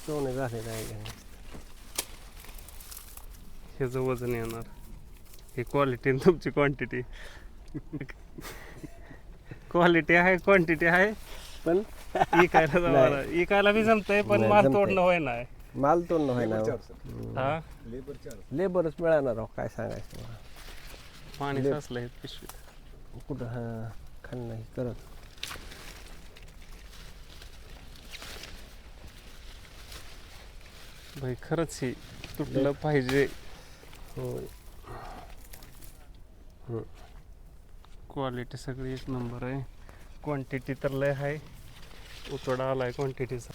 सोने झालेलं आहे. ह्याचं वजन येणार. ही क्वालिटी आणि तुमची क्वांटिटी. क्वालिटी आहे, क्वांटिटी आहे, पण इकायला जमायला इकायला बी जमतंय, पण नाही, माल जमतंय. तोडणं होय नाही. माल तोडणं व्हाय ना. हा लेबरच मिळणार राव, काय सांगायचं मला. पाणी साचलं हे पिशवीत. कुठं हा खाण नाही करत. भाई खरंच ही तुटलं पाहिजे. होय. क्वालिटी सगळी एक नंबर आहे. क्वांटिटी तर लय आहे. उतोडा आलाय क्वांटिटीचा.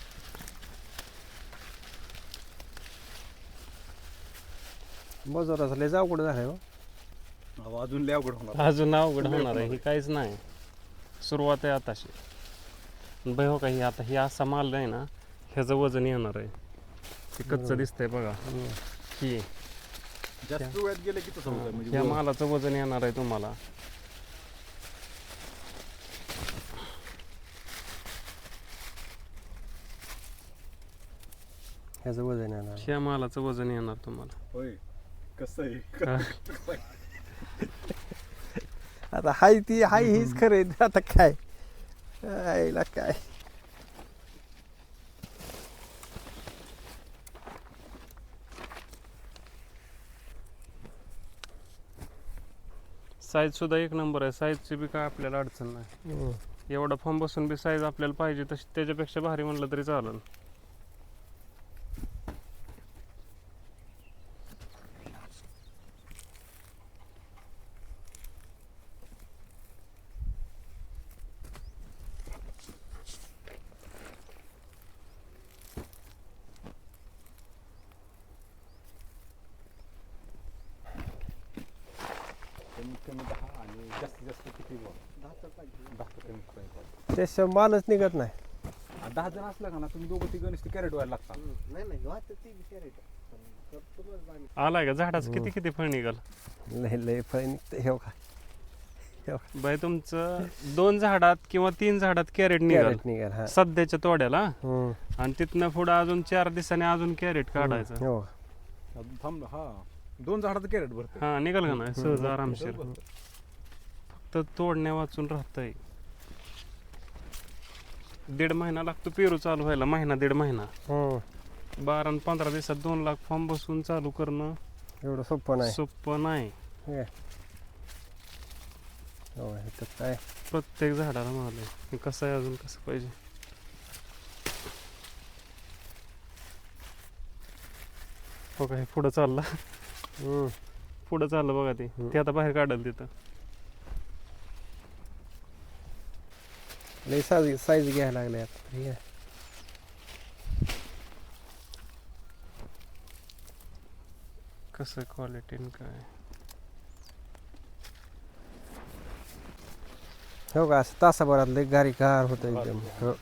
मजुराचं लय अवघड झालंय हो. अजून लय अवघड होणार. अजून अवघड होणार आहे. ही काहीच नाही, सुरुवात आहे आताशी. भाई हो का, ही आता ही असा माल आहे ना, ह्याचं वजन येणार आहे. ते कच्चं दिसतंय बघा. ही जास्त वेळात गेलं की तसं होतं. म्हणजे ह्या मालाचं वजन येणार आहे तुम्हाला. ह्याचं वजन येणार. ह्या मालाचं वजन येणार तुम्हाला. होय कसं आहे. आता हाय ती हाय हीच खरं आहे. आता काय आईला काय. साईज सुद्धा एक नंबर आहे. साईजची बी काय आपल्याला अडचण नाही. एवढा फॉर्म बसून बी साईज आपल्याला पाहिजे तशी त्याच्यापेक्षा भारी म्हणलं तरी चालेल. कमी 10 आणि जास्तीत जास्त किती 10 पाहिजे. 10 कमी पाहिजे. त्याशिवाय मालच निघत नाही. 10 जण असला का ना, तुम्ही दोघं तिघं नुसते कॅरेट व्हायला लागतात. आलाय का झाडाचं किती किती फळ निघाल. लय लय फळ निघतं. हे का बाई तुमचं 2 झाडात किंवा 3 झाडात कॅरेट निघाल निघाल. हा. सध्याच्या तोड्याला. आणि तिथनं पुढं अजून 4 दिवसांनी अजून कॅरेट काढायचं. हो. थांब हा 2 झाडाचं कॅरेट भरते. हा निघाल का नाही सहज आरामशीर. फक्त तोडण्या वाचून राहतंय. 1.5 महिना लागतो पेरू चालू व्हायला. महिना 1.5 महिना. 12 आणि 15 दिवसात 2 लाख फॉर्म बसून चालू करणं एवढं सोपं नाही. सोपं नाही. हो इथं काय प्रत्येक झाडाला माल आहे. कसं आहे अजून कसं पाहिजे. हो का, हे पुढं चाललं. पुढं चाललं बघा ते आता बाहेर काढल तिथं. लय साईज घ्यायला लागले आता. ठीक आहे. कसं क्वालिटी काय. हो का, असं तासाभरात लय गार होतं एकदम.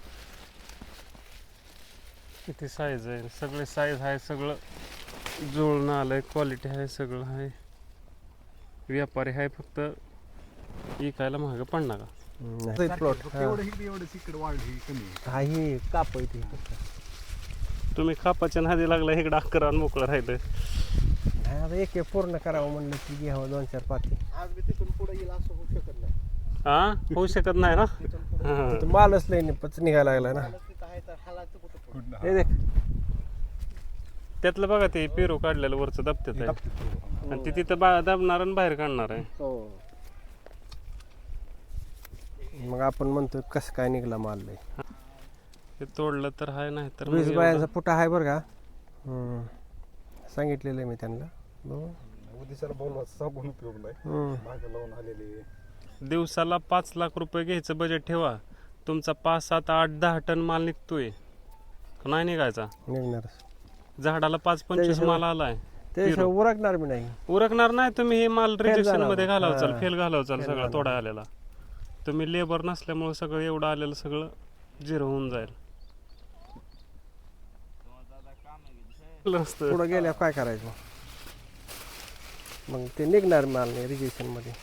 किती साईज आहे. सगळे साईज आहे. सगळं जुळून आलंय. क्वालिटी आहे. सगळं आहे. व्यापारी आहे. फक्त विकायला महाग पडणार का. प्लॉट एवढं इकडे वाढली कमी. काही काप आहे ते. तुम्ही खापाच्या नादी लागला इकडं अकरा मोकळं राहिलं. आता एक पूर्ण करावं म्हणलं की घ्यावं 2-4 पाती. आज मी तिथून पुढे येईल असं होऊ शकत नाही. हा होऊ शकत नाही ना. तर मालच लय पच निघायला लागला ना. हे देख त्यातलं बघा ते पेरू काढलेलं वरचं दबत्यात आहे. आणि ते तिथं दाबणार आणि बाहेर काढणार आहे. मग आपण म्हणतो कसं काय निघला माल लय. ते तोडलं तर आहे, नाही तर 20 बायाचा पुटा आहे बरं का. सांगितलेलं आहे मी त्यांना. उद्याला बोलवा सांगून उपयोग नाही. मागे लावून आलेले. दिवसाला 5 लाख रुपये घ्यायचं बजेट ठेवा. तुमचा 5, 7, 8, 10 टन माल निघतोय नाही निघायचा. निघणार झाडाला 5-25 माल आलाय. त्याशिवाय उरकणार बी नाही. उरकणार नाही. तुम्ही हे माल रिजेक्शन मध्ये घालावचाल, हा. फेल घालावचाल सगळं तोडा आलेला. तुम्ही लेबर नसल्यामुळे सगळं एवढं आलेलं सगळं झिरो होऊन जाईल. पुढं गेल्यावर काय करायचं मग ते निघणार माल नाही रिजेक्शन मध्ये.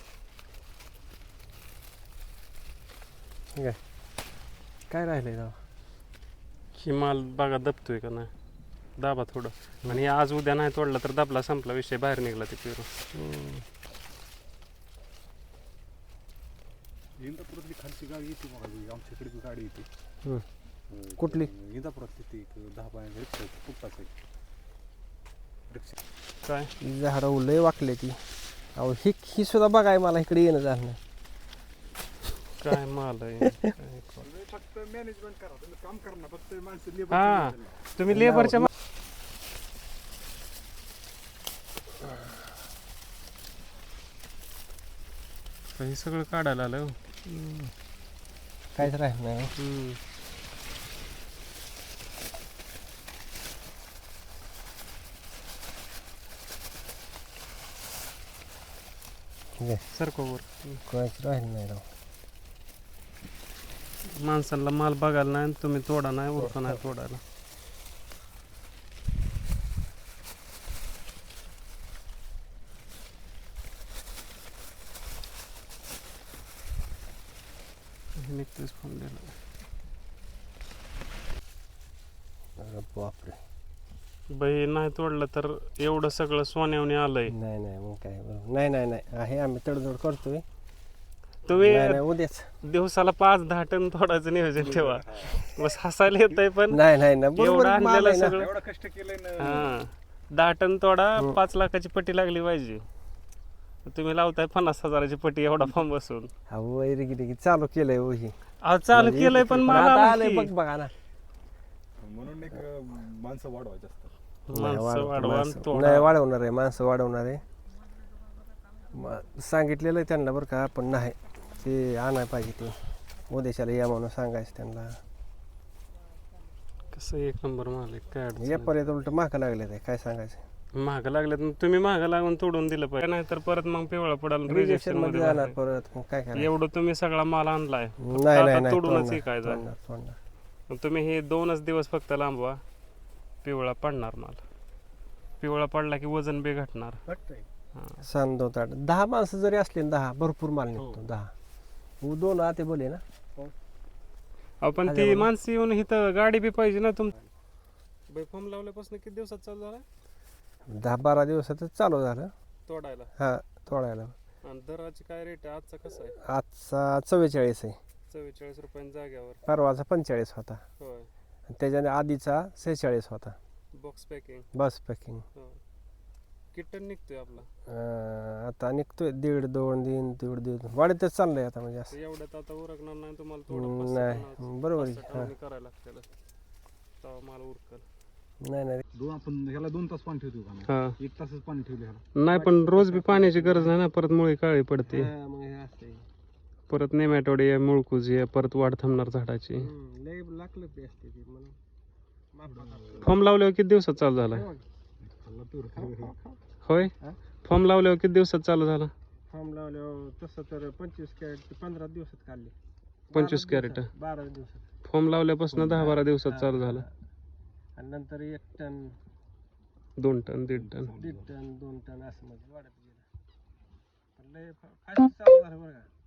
काय राहिलंय राव. ही माल बघा दबतोय का नाही. दाबा थोडं. आणि आज उद्या नाही तोडला तर दाबला संपला विषय, बाहेर निघला ते पेरू. इंदापुरातली खालची गाडी येते बघा, आमच्याकडे बी गाडी येते. कुठली? इंदापुरातली ती 10 रिक्षा फुटपाथ आहे. रिक्षा काय झाडं लय वाकले ती. अहो ही सुद्धा बघाय मला इकडे येणं झालं नाही. काय माल आहे. फक्त मॅनेजमेंट करा, तुम्ही काम करा ना, फक्त माणसं हा तुम्ही लेबरच्या हे सगळं काढायला आलं. काहीच राहिलं नाही. सरकोवर काहीच राहिलं नाही राव. माणसांना माल बघायला नाही, तुम्ही तोडा नाही, उरका नाही तोडायला. निघतोच फोन दिला. अरे बापरे. बाई नाही तोडलं तर एवढं सगळं सोन्यावणी आलंय. नाही नाही मग काय बरोबर. नाही नाही नाही आहे, आम्ही तडजोड करतोय. तुम्ही नाही नाही उद्याच. दिवसाला 5-10 टन तोडायचं नियोजन ठेवा. बस हसायला येतंय पण नाही नाही ना एवढं बरोबर माल आणलेलं आहे ना. सगळं. एवढं कष्ट केलंय ना. हा 10 टन तोडा, 5 लाखाची पट्टी लागली पाहिजे. तुम्ही लावताय 50,000ची पट्टी एवढा फॉर्म बसून. अहो रिगी चालू केलंय हो ही. अहो चालू केलंय पण माल आता आला आलंय की. बघ बघा ना. म्हणून एक माणसं वाढवायची असतात. माणसं वाढवा आणि नाही तोडा. वाढवणार आहे, माणसं वाढवणार आहे. सांगितलेलं आहे त्यांना बरं का, पण नाही ते आणाय पाहिजे ते. उद्याच्याला या म्हणून सांगायचं त्यांना. कसं एक नंबर माल आहे, काय अडचण या नाही. पर्यंत उलट मागं लागले ते काय सांगायचं. महाग लागल्यात तुम्ही महाग लागून तोडून दिलं पाहिजे, नाही तर परत मग पिवळा पडाल रिजेक्शन रिजेक्शन मध्ये मध्ये जाणार बसायचं. परत मग काय करायचं. एवढं तुम्ही सगळा माल आणलाय, नाही नाही आता नाही तोडूनच तोडणार, विकायचा. तोडणार, तोडणार. मग तुम्ही हे 2च दिवस फक्त लांबवा, पिवळा पडणार माल. पिवळा पडला की वजन बी घटणार. हा. सण 2-8 10 माणसं जरी असले ना, 10 भरपूर माल निघतो. 10 2 आते बोले ना. आपण हा, ती जेवण. माणसं येऊन इथं गाडी बी पाहिजे ना तुम. फॉर्म लावल्यापासून किती दिवसात चालू झाला 10-12 दिवसातच चालू झालं. तोडायला? हा तोडायला. आणि दराची काय रेट आहे आजचा, कसा आहे? आजचा 44 आहे. 44 रुपयांच्या जाग्यावर. परवाचा 45 होता. होय. आणि त्याच्या आधीचा 46 होता. Box packing. बस पॅकिंग. हो. किती टन निघतोय आपला? आता निघतोय 1.5 वाढतच चाललंय आता म्हणजे असं. एवढ्यात आता उरकणार नाही तुम्हाला, थोडं नाही बरोबर आहे. हा. करायला लागतं तेव्हा माल उरकल. नाही नाही आपण ह्याला 2 तास पाणी ठेवतो का? हा 1 तासच पाणी ठेवले ह्याला. नाही पण रोज बी पाण्याची गरज नाही ना, परत मुळी काळी पडते. हा, मग हे असं आहे. परत नेमॅटोड मुळकुज आहे, परत वाढ थांबणार झाडाची. लय लागलं ते असते ती म्हणून मापात. फॉर्म लावल्यावर किती दिवसात चालू झाला? खाल्ला तर होय. फॉर्म लावल्यावर किती दिवसात चालू झाला? फॉर्म लावल्यावर तसं तर 25 कॅरेट 15 दिवसात काढले. 25 कॅरेट. 12 दिवसात. फॉर्म लावल्यापासून 10-12 दिवसात चालू झाला. आणि नंतर 1 ton 2 ton 1.5 ton. 1.5 ton 2 ton असं म्हणजे वाढत गेलं. पण लय फास्ट चालू झालं बरं का.